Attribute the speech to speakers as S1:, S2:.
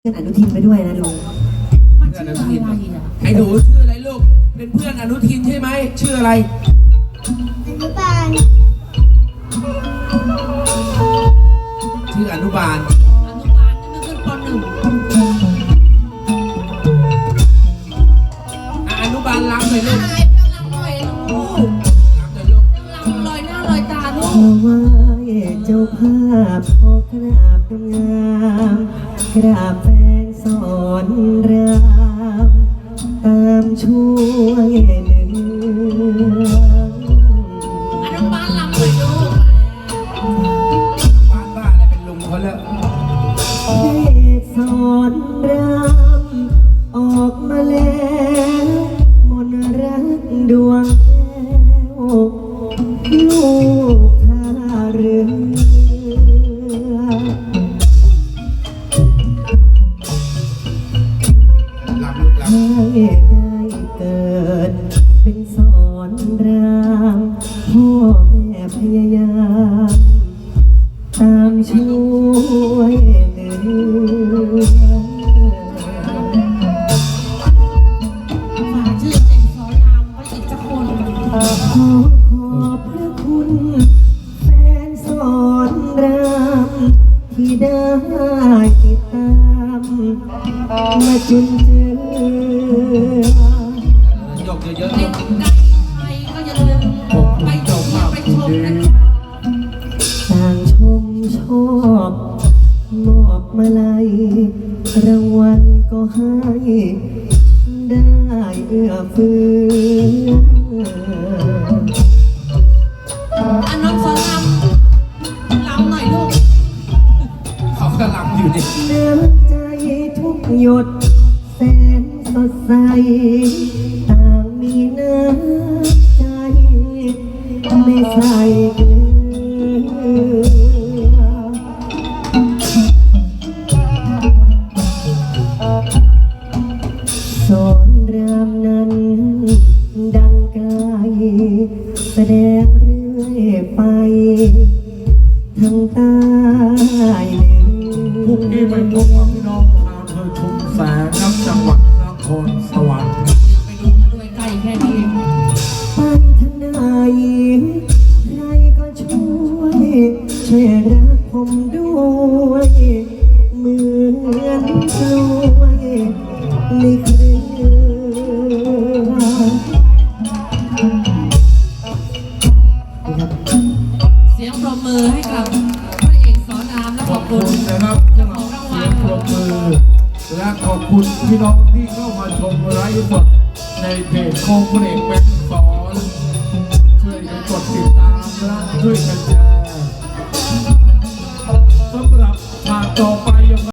S1: พื่อนอนุทินไปด้วยนะลุง
S2: มันชื่ออะไรอ่ะไอ้หนูชื่ออะไรลูกเป็นเพื่อนอนุทินใช่ไหมชื่ออะไร
S3: อนุบาล
S2: ชื่ออนุบาล
S4: จะไม่ขึ้นป.1
S2: อนุบาลล้ำเลยลูก
S4: อะไรเพื่อนรักหน่อยลูก
S2: ล้ำเลยลูก
S4: รักลอยหน้าลอยตาลู
S1: ข
S4: ก
S1: อไหว้เจ้าภาพขอกราบงามกราบแฟนสอนรามตามช่วยหนึ่ง
S4: อนุบาลลำหน่อยลูก
S2: บ้านบ้าอะไรเป็นลุงเขาแล้ว
S1: เทศสอนรามออกมาแล้วมนต์รักดวงแก้วลูกท่าเรือ
S2: ล้ำลูกล้ำ
S1: ให้ได้เกิดเป็นสอนรามพ่อแม่พยายามตามช่วยเหลือ
S4: ฝากชื่อเด็กสอนรามไว้อีกสักคน
S1: ขอพระคุณแฟนสอนรามที่ได้ติดตามมาจนเจอ
S2: ยกเยอะๆ
S4: เด็
S2: ลู
S4: ก
S2: ก
S4: ไกลใครก็อย่าลืมไปชมไปชมนะครับ
S1: ต่างชมชอบมอบมาลัยรางวัลก็ให้ได้เอื้อเฟื้อ
S4: อันน้องสอนรามลำหน่อยลูก
S2: เขาก็ล้ำอยู่ดิ
S1: น้ำใจทุกหยดแสนสดใสต่างมีน้ำใจไม่ใส่เกลือ สอนรามนั้นดังไกลแสดงเรื่อยไปทั้งใต้เหนื
S5: พรุ่งนี้ไปพบกับพี่น้องชาวอำเภอชุมแสงครับจังหวัดนครสวรรค์
S4: ไปดูมาด้วยใกล้แค่นี้เอง
S1: ไปทางไหนใครก็ช่วยรักผมด้วยเหมือนกล้วยในเครือ
S4: เสียงปรบมือให้กับพระเอกสอนรามและ
S5: ข
S4: ข
S5: อ
S4: อ
S5: บบ
S4: คุ
S5: คุณ
S4: ณ
S5: นะครับ
S4: เจ้า
S5: สำห
S4: ข
S5: รั
S4: อบ งราง
S5: เสี
S4: วั
S5: ย
S4: ล
S5: งปรบมือและขอบคุณพี่น้องที่เข้ามาชมไลฟ์สดในเพจโคงพระเอกแบงค์สอนช่วยกันกดติดตามและช่วยกันแช